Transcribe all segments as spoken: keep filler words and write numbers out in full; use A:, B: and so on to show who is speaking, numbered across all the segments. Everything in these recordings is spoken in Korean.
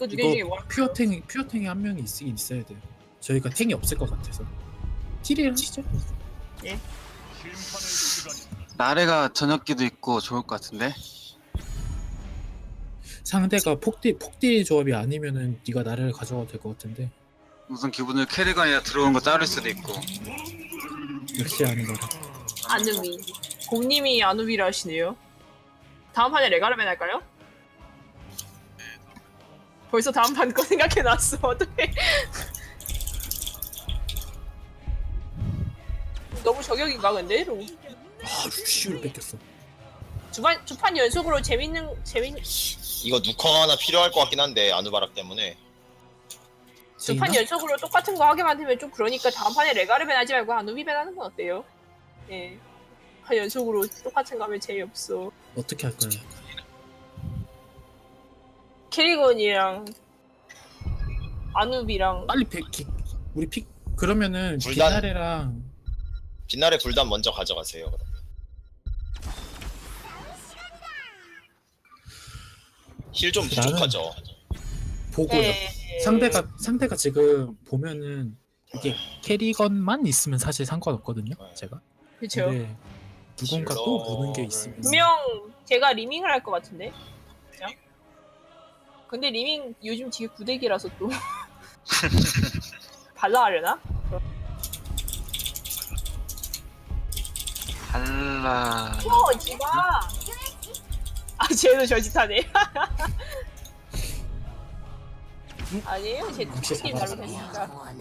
A: 그 두 개 중에
B: 이거
A: 뭐
B: 퓨어 탱이 퓨어 탱이 한 명이 있긴 있어야 돼요. 저희가 탱이 없을 것 같아서. 킬을 하시죠.
C: 나래가 저녁기도 있고 좋을 것 같은데.
B: 상대가 폭딜 폭딜 조합이 아니면은 네가 나를 가져가도 될 것 같은데.
C: 무슨 기분을 캐리건이라 들어온 거 자를 수도 있고.
B: 역시 아는 거라.
A: 아누비. 공님이 아누비라 하시네요. 다음 판에 레가르벤 할까요? 벌써 다음 판 거 생각해놨어. 어떡해. 너무 저격인가 근데?
B: 아 루시우를 뺏겼어.
A: 두판 두 판 연속으로 재밌는 재밌
D: 이거 누커 하나 필요할 것 같긴 한데 아누바락 때문에.
A: 두 판
B: 제이나?
A: 연속으로 똑같은 거 하게 만들면 좀 그러니까 다음 판에 레가르벤 하지 말고 아누비벤 하는 건 어때요? 예. 한 연속으로 똑같은 거 하면 재미없어.
B: 어떻게 할까요?
A: 캐리건이랑 아누비랑
B: 빨리 백 기, 우리 픽 그러면은
D: 불단.
B: 빛나래랑
D: 빛날의 불단 먼저 가져가세요. 그럼. 힐 좀
B: 나는-
D: 부족하죠.
B: 보고요.
A: 예.
B: 상대가 상대가 지금 보면은 이게 캐리건만 있으면 사실 상관없거든요. 제가.
A: 그쵸.
B: 근데 누군가 또 무는 게 있으면
A: 분명 제가 리밍을 할 것 같은데. 그죠? 근데 리밍 요즘 되게 구대기라서 또 발라 하려나?
C: 달라.
A: 어, 지가. 아, 쟤도 저짓하네. 아니에요, 제
B: 혹시
A: 팀
B: 잡아서.
A: 잘못했으니까.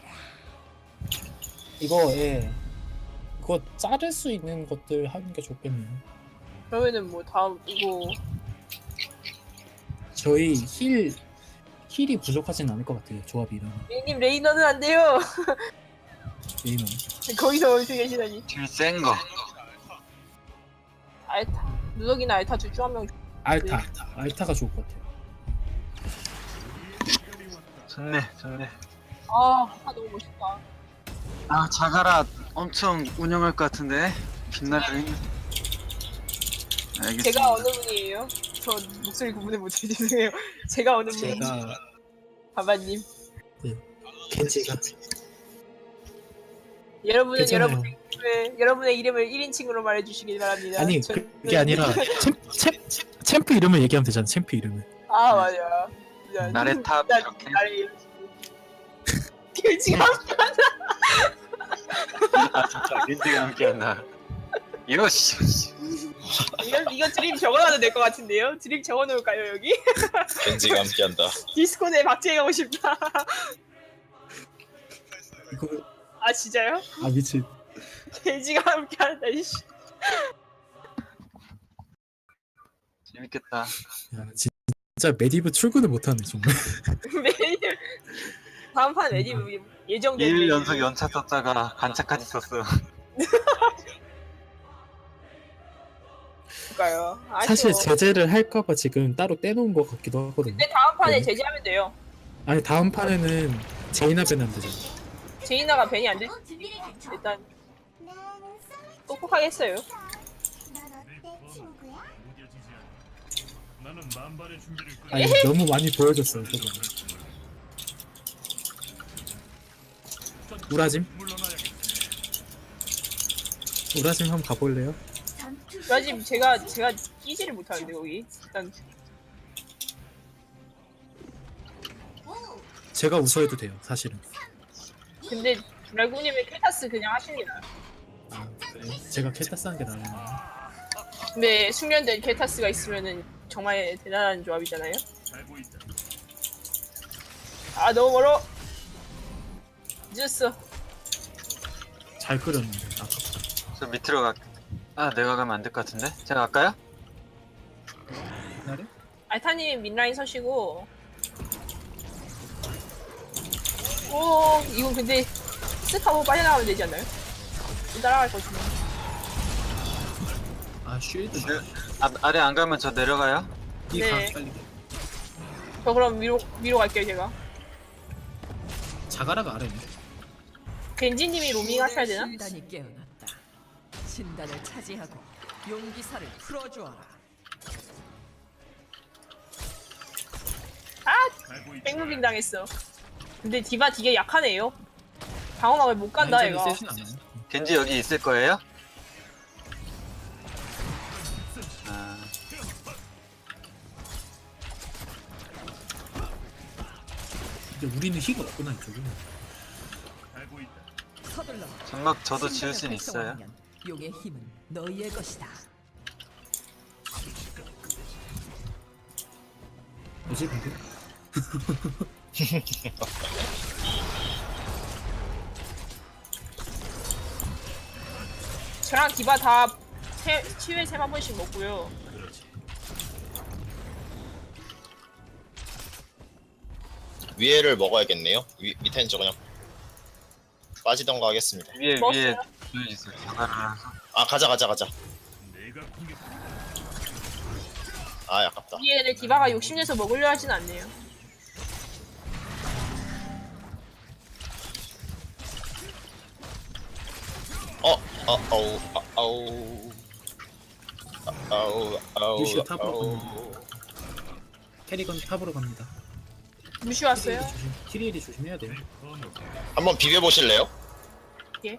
B: 이거 예. 이거 자를 수 있는 것들 하는 게 좋겠네요.
A: 그러면은 뭐 다음 이거
B: 저희 힐 힐이 부족하진 않을 것 같아요. 조합이 이러면.
A: 님 레이너는 안 돼요.
B: 게임은.
A: 거기서 어디 계시다니.
C: 딜 센 거.
A: 알타, 누더기나 알타 둘 중 한 명.
B: 알타. 알타가 좋을 것 같아요.
C: 좋네, 좋네.
A: 아, 아 너무 멋있다.
C: 아, 자가라 엄청 운영할 것 같은데. 빛나래. 알겠습니다.
A: 제가 어느 분이에요? 저 목소리 구분을 못해 죄송해요. 제가 어느 분이?
B: 제가
A: 바바님.
B: 켄지가
A: 여러분은
B: 괜찮아요.
A: 여러분의 이름을, 여러분의 이름을 일 인칭으로 말해주시길 바랍니다.
B: 아니
A: 저는-
B: 그게 아니라 챔, 챔, 챔프 이름을 얘기하면 되잖아. 챔프 이름을.
A: 아 맞아. 미안.
C: 나래 탑
A: 나-
C: 이렇게.
A: 나를 이러시고. 지금
C: 아 진짜 민지가 함께한다. 이거 씨.
A: 이건 이건 드림 적어놔도 될 것 같은데요? 드림 적어놓을까요 여기?
D: 겐지가 함께한다.
A: 디스코드에 박제하고 싶다.
B: 이거
A: 아 진짜요?
B: 아 미친.
A: 돼지가 함께한다 이씨.
C: 재밌겠다.
B: 야, 진짜 메디브 출근을 못하네 정말.
A: 메뉴 다음 판 메뉴 예정된
C: 일
A: 메뉴.
C: 연속 연차 썼다가 간차까지 썼어.
A: 볼까요?
B: 사실
A: 아쉬워.
B: 제재를 할까봐 지금 따로 떼놓은 것 같기도 하거든요.
A: 근데 다음 판에
B: 네.
A: 제재하면 돼요.
B: 아니 다음 판에는 제이나 벤하면 되잖아.
A: 제이나가 벤이 안 돼? 일단 똑똑하게 했어요.
B: 아니 너무 많이 보여줬어요. 저거. 우라짐? 우라짐 한번 가볼래요?
A: 지금 제가 제가 끼지를 못하는데 거기 일단
B: 제가 웃어해도 돼요. 사실은.
A: 근데 라구님의 켈타스 그냥 하시는 게 나아요.
B: 아, 그래요? 제가 켈타스 하는 게 나아요.
A: 근데 숙련된 켈타스가 있으면은 정말 대단한 조합이잖아요. 아 너무 멀어. 늦었어.
B: 잘 끓였는데 아까.
C: 저 밑으로 가. 아 내가 가면 안 될 것 같은데? 제가 갈까요?
B: 나래?
A: 알타님 민라인 서시고. 오 이건 근데 쓱 하고 빠져나가면 되지 않나요? 따라갈 것이네.
B: 아 쉴드.
C: 네. 아, 아래 안 가면 저 내려가요?
B: 이가
A: 네.
B: 빨리.
A: 저 그럼 위로 위로 갈게요 제가.
B: 자가라가 아래네.
A: 겐지님이 로밍 하셔야 되나?
E: 신단이 깨어났다. 신단을 차지하고 용기사를 풀어주어라.
A: 아 백무빙 당했어. 근데 디바 되게 약하네요. 방어막을 못 간다
B: 라인전이
A: 얘가.
B: 세진 않아요.
C: 겐지 여기 있을 거예요? 아,
B: 근데 우리는 힐이 없구나 이쪽은.
E: 서둘러.
C: 장막 저도
E: 신단을
C: 지을 순 있어요.
E: 활성화하면 용의 힘은 너희의 것이다.
B: 뭐지 근데?
A: 저랑 디바 다 세, 치유에 세한 번씩 먹고요.
D: 위에를 먹어야겠네요. 위, 밑에는 저 그냥 빠지던가 하겠습니다.
C: 위에
A: 먹었어요?
C: 위에 보여주세요. 자가라라서.
D: 아 가자 가자 가자. 아 아깝다.
A: 위에를 디바가 욕심내서 먹으려 하진 않네요.
D: 어, 어, 어우, 아, 아우, 아, 아우, 아우,
B: 루시오 탑으로
D: 아우.
B: 캐리건 탑으로 갑니다.
A: 무시 왔어요?
B: 키리엘이 조심, 키리엘이 조심해야 돼요.
D: 한번 비벼 보실래요?
A: 예.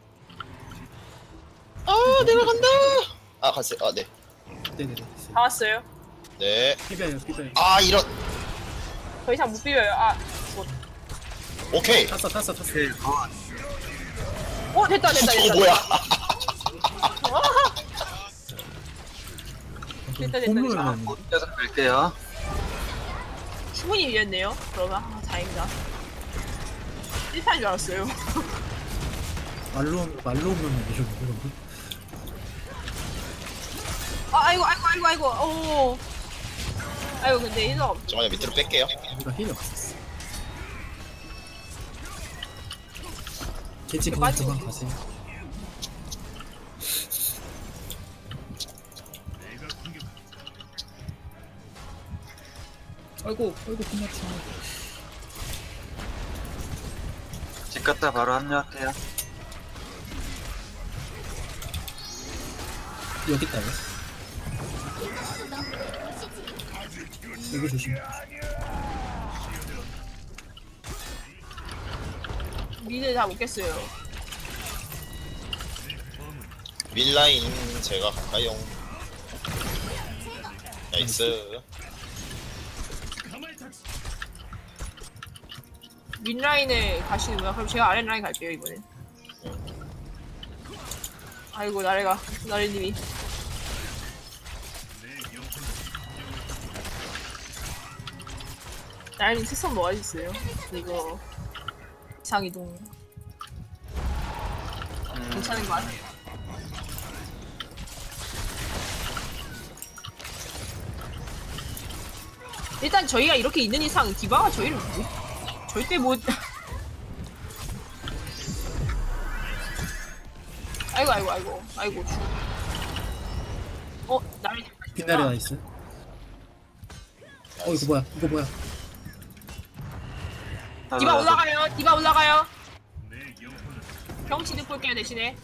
D: 아, 내려간다. 아, 갔어요. 아, 네,
B: 네네네.
A: 다 왔어요.
D: 네.
B: 비벼요, 비벼요.
D: 아, 이런.
A: 더 이상 못 비벼요. 아,
D: 오케이.
B: 탔어, 탔어, 탔어.
C: 오케이, 굿.
A: 어 됐다 됐다 됐다.
D: 어, 뭐야?
A: 어, 됐다, 됐다,
B: 홈런은
C: 곧 계속 갈게요.
A: 충분히 이겼네요. 그러면 아, 다행이다. 일 판인 줄 알았어요.
B: 말로 말로 오면 이러고.
A: 아, 아이고 아이고 아이고 아이고. 오. 아이고 근데 이거 없-
D: 잠깐만 밑으로 뺄게요.
B: 우리가 힐이 없었어. 개치 그냥
A: 빨리
B: 그만
A: 오지.
B: 가세요. 아이고, 아이고 끝났지.
C: 집 갔다 바로 합류할게요.
B: 여기 있다 왜? 여기 조심.
A: 미드 다 먹겠어요.
D: 밀라인 제가 갈까요? 나이스.
A: 윗라인에 가시는구나. 그럼 제가 아랫라인 갈게요 이번엔. 아이고 나래가 나래님이. 나래님 특성 뭐 하셨어요? 이거 이상이동
C: 음,
A: 괜찮은 거 같아요. 일단 저희가 이렇게 있는 이상 디바가 저희를 못, 절대 못. 아이고 아이고 아이고 아이고. 어 나를
B: 빛나래 나이스. 어 이거 뭐야? 이거 뭐야?
A: 디바
C: 나도, 나도.
A: 올라가요. 디바 올라가요. 경치 듣고 올게요 대신에.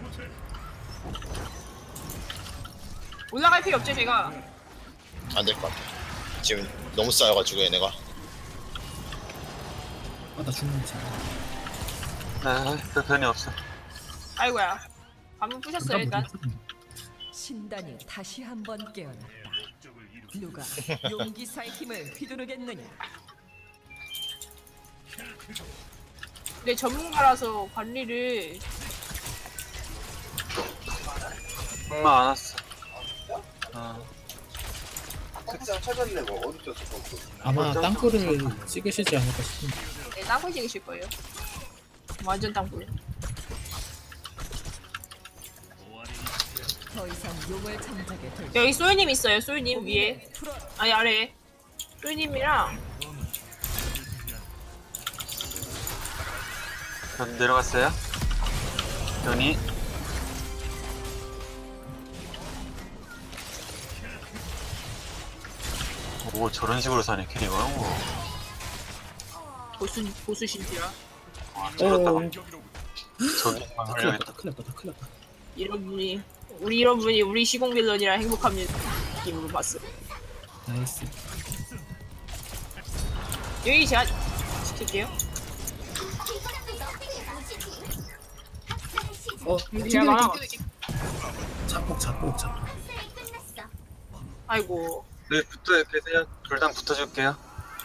A: 올라갈 필요 없죠 제가.
D: 안 될 것 같아. 지금 너무 쌓여가지고 얘네가.
B: 아나 죽는 거
C: 네, 그 변이 없어.
A: 아이고야. 방금 부셨어요 일단.
E: 신단이 다시 한번 깨어났다. 누가 용기사의 힘을 휘두르겠느냐?
A: 근데 전문가라서 관리를
C: 엄마 안 왔어. 어,
B: 아마 땅굴을 찍으시지 않을까 싶은데.
A: 네, 땅굴 찍으실 거예요. 완전 땅굴.
E: 더 이상 용을 잠자게 될
A: 여기 소유님 있어요. 소유님 위에.
E: 풀어.
A: 아니 아래에. 소유님이랑
C: 변 내려갔어요. 변이. 오, 저런 식으로 사네, 캐리가. 오.
A: 보수 보수신지라.
C: 저렇다.
B: 어,
C: 저기
B: 다 큰일 났다, 다 큰일 났다, 다 큰일 났다.
A: 이런 분이 우리 이런 분이 우리 시공 빌런이라 행복한 느낌으로 봤어.
B: 나이스.
A: 여기 제가 시킬게요.
B: 어,
A: 제가 말아.
B: 잡복 잡복 잡복.
A: 아이고.
C: 네, 붙어 계세요. 불당 붙어줄게요.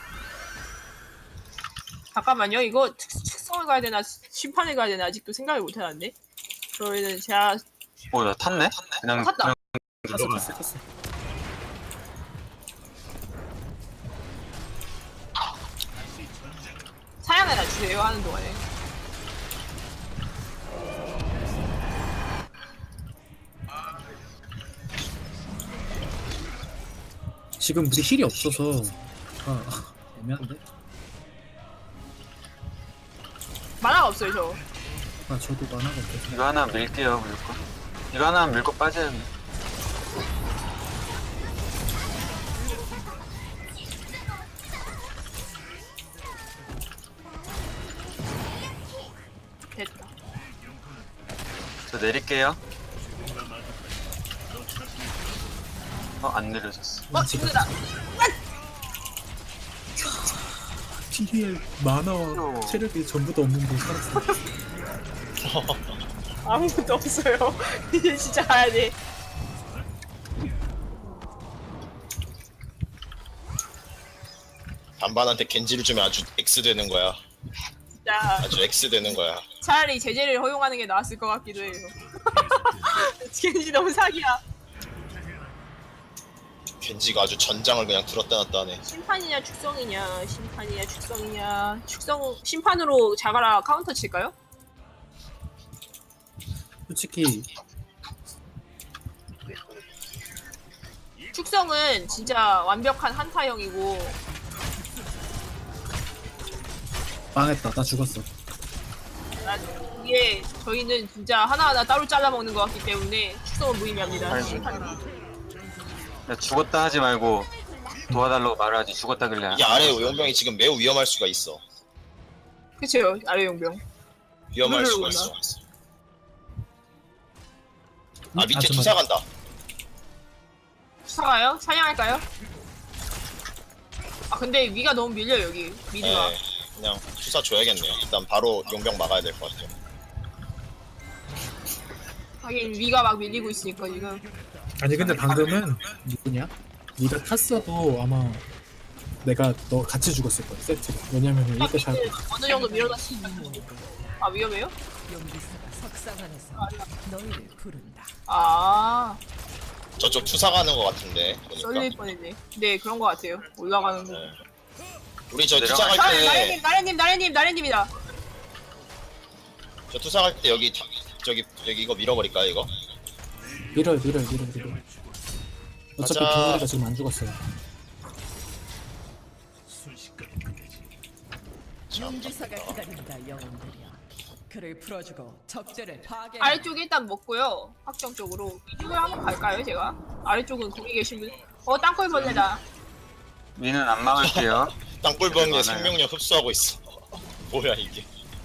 A: 잠깐만요. 이거 특, 특성을 가야 되나 심판을 가야 되나 아직도 생각을 못 해놨네. 저희는 제가
C: 오, 나 탔네? 그냥
A: 탔다.
C: 그냥
B: 탔어 탔어 탔어.
A: 사양해놔 주세요 하는 동안에.
B: 지금 우리 힐이 없어서 아 애매한데.
A: 만화가 없어요 저.
B: 아 저도 만화가 없어서.
C: 이거 하나 밀게요, 물고. 이거 하나 밀고 빠져야 돼.
A: 됐다.
C: 저 내릴게요. 어, 안 내려졌어.
A: 어 죽는다.
B: 티리엘 만화와 체력이 전부 다 없는데 살았어.
A: 아무것도 없어요. 이제 진짜 가야 돼.
D: 반반한테 겐지를 주면 아주 X 되는 거야.
A: 진짜
D: 아주 X 되는 거야.
A: 차라리 제재를 허용하는 게 나았을 것 같기도 해요. 겐지 너무 사기야.
D: 겐지가 아주 전장을 그냥 들었다 놨다 하네.
A: 심판이냐 축성이냐 심판이냐 축성이냐 축성 심판으로 자가라 카운터 칠까요?
B: 솔직히
A: 축성은 진짜 완벽한 한타형이고
B: 망했다. 나 죽었어.
A: 나- 이게 저희는 진짜 하나하나 따로 잘라 먹는 것 같기 때문에 축성은 무의미합니다.
C: 아이고.
A: 심판은.
C: 야, 죽었다 하지 말고 도와달라고 말하지. 죽었다길래.
D: 이 아래 용병이 지금 매우 위험할 수가 있어.
A: 그쵸 아래 용병.
D: 위험할 수가
A: 누르려고
D: 있어.
B: 음?
D: 아 밑에
B: 아, 잠깐만.
D: 투사 간다.
A: 사가요? 사냥할까요? 아 근데 위가 너무 밀려 여기 미드가.
D: 네, 그냥 투사 줘야겠네요. 일단 바로 용병 막아야 될 것 같아요.
A: 하긴 위가 막 밀리고 있으니까 지금.
B: 아니 근데 방금은 누구냐? 네가 탔어도 아마 내가 너 같이 죽었을 거야 세트로. 왜냐면 이거 잘
A: 미드 어느 정도 밀어놨으면. 아 위험해요?
E: 용기사가 석상 안에서 너희를 부른다.
A: 아
D: 저쪽 투사 가는 것 같은데
A: 썰릴
D: 보니까.
A: 뻔했네. 네 그런 거 같아요. 올라가는 거.
D: 네. 우리 저 투사
C: 내려가-
D: 갈
A: 나래,
D: 때,
A: 나래님 나래님 나래님 나래님이다.
D: 저 투사 갈 때 여기 다- 저기 여기 이거 밀어버릴까요 이거?
B: 밀어요 밀어요 밀어요 밀어요. 어차피
D: 가자.
B: 동아리가 지금 안 죽었어요.
E: 용기사가 기다린다 영웅들이여. 그를 풀어주고 적절을 파괴.
A: 아래쪽 일단 먹고요. 확정 쪽으로 이쪽으로 한번 갈까요 제가? 아래쪽은 거기 계신 분. 어 땅굴벌레다.
C: 위는 안 막을게요.
D: 땅굴벌레
C: 많아요.
D: 생명력 흡수하고 있어. 뭐야 이게?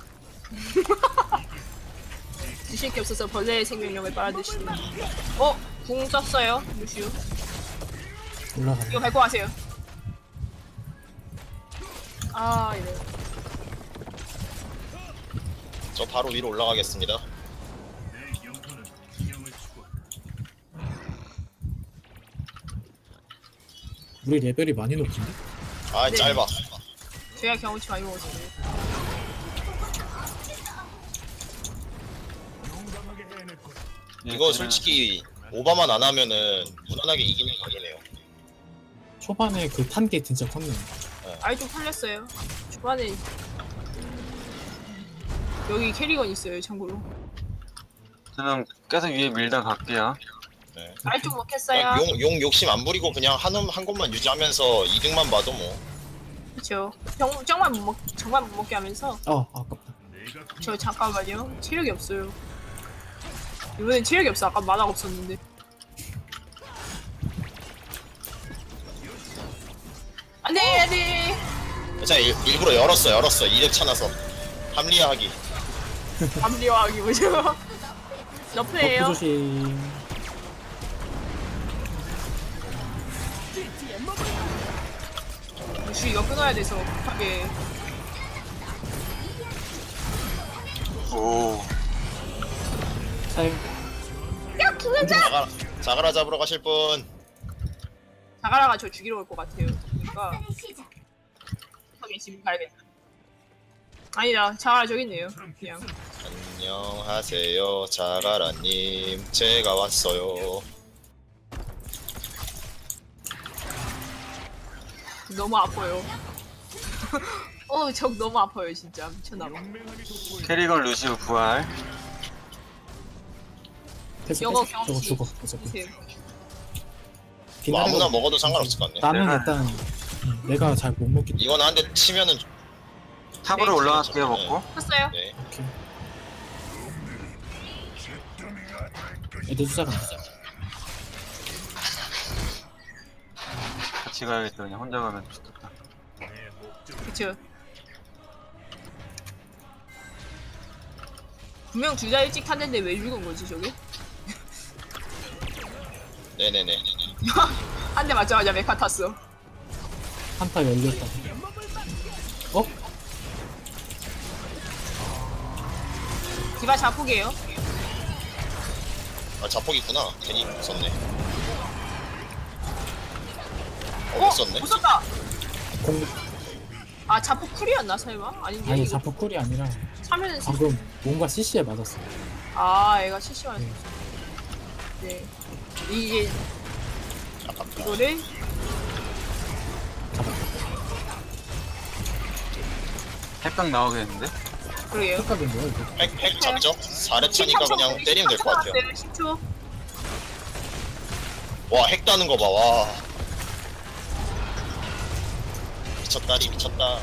A: 드실 게 없어서 벌레의 생명력을 빨아드시는. 어? 궁 썼어요 루시우.
B: 올라가네.
A: 이거 밟고 가세요. 아 이래.
D: 저 바로 위로 올라가겠습니다.
B: 우리 레벨이 많이 높은데?
D: 아
A: 네.
D: 짧아.
A: 제가 경험치 많이 먹었어요.
D: 이거 솔직히 오버만 안 하면은 무난하게 이기는 각이네요.
B: 초반에 그 탄 게 진짜 컸네.
A: 아래쪽 털렸어요. 초반에 여기 캐리건 있어요 참고로.
C: 저는 계속 위에 밀다 갈게요.
D: 네.
A: 아래쪽 먹겠어요.
D: 용, 용 욕심 안 부리고 그냥 한, 홈- 한 곳만 유지하면서 이득만 봐도 뭐.
A: 그쵸. 정, 정말 못 먹, 정말 못 먹게 하면서.
B: 어 아깝다.
A: 저 잠깐만요. 체력이 없어요. 이번엔 체력이 없어. 아까 만화가 없었는데. 안돼 안돼.
D: 자 일, 일부러 열었어 열었어 이득 찾아서 합리화하기.
A: 감리화하기 뭐죠?
B: 버프
A: 너프예요.
B: 조심.
A: 주 이거 끊어야 돼서 급하게.
C: 오.
B: 사용.
A: 야 김현자!
D: 자가라, 자가라 잡으러 가실 분.
A: 자가라가 저 죽이러 올 것 같아요. 그러니까 급하게 지금 가야겠다. 아니다, 자가라 저기 있네요. 그냥.
D: 안녕하세요, 자가라님. 제가 왔어요.
A: 너무 아파요. 어, 적 너무 아파요, 진짜. 미쳤나봐.
C: 캐리건 루시우 부활.
B: 패스
A: 영어
B: 패스. 저거
A: 경험치.
B: 죽어. 어차피.
A: 보세요.
D: 뭐 아무나
B: 비나리가
D: 먹어도 상관없을 것 같네.
B: 나는
C: 내가-
B: 일단 음, 내가 잘 못 먹기 때문에.
D: 이건 한 대 치면은
C: 탑으로
A: 네,
C: 올라갈게요 먹고.
A: 컸어요?
D: 네.
B: 오케이. 애들 숫자가 안 돼.
C: 같이 가야겠다. 그냥 혼자 가면 좋겠다.
A: 그쵸. 분명 둘 다 일찍 탔는데 왜 죽은 거지, 저게?
D: 네네네.
A: 한 대 맞자마자 메카 탔어.
B: 한타 열렸다. 어?
A: 디바 자폭이에요.
D: 아 자폭 있구나. 괜히 썼네. 어,
A: 어?
D: 못 썼네.
A: 못 썼다!
B: 공
A: 아, 자폭 쿨이었나, 설마? 아닌데.
B: 아니
A: 이거
B: 자포 쿨이 아니라
A: 차면은.
B: 방금 뭔가 씨씨에 맞았어.
A: 아, 애가 실시간.
B: 네.
A: 네. 이게,
D: 아깝다.
A: 이거를.
B: 잡았다.
C: 핵각 나오겠는데?
A: 그러게요.
B: 착각인 거야 이거.
D: 핵, 핵 잡죠? 사 렙 차니까 그냥 때리면 될 것 같아요.
A: 십 초.
D: 와, 핵 따는 거 봐, 와. 미쳤다리, 미쳤다.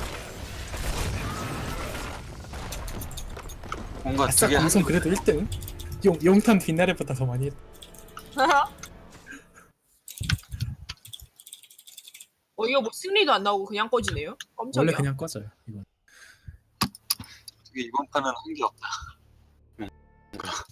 C: 뭔가
B: 아싸
C: 되게
B: 방송 그래도 일 등. 용 용탄 빛나래보다 더 많이 했.
A: 어, 이거 뭐 승리도 안 나오고 그냥 꺼지네요? 깜짝이야.
B: 원래 그냥 꺼져요 이건.
C: 되게 이번 판은 한 게 없다. 뭔가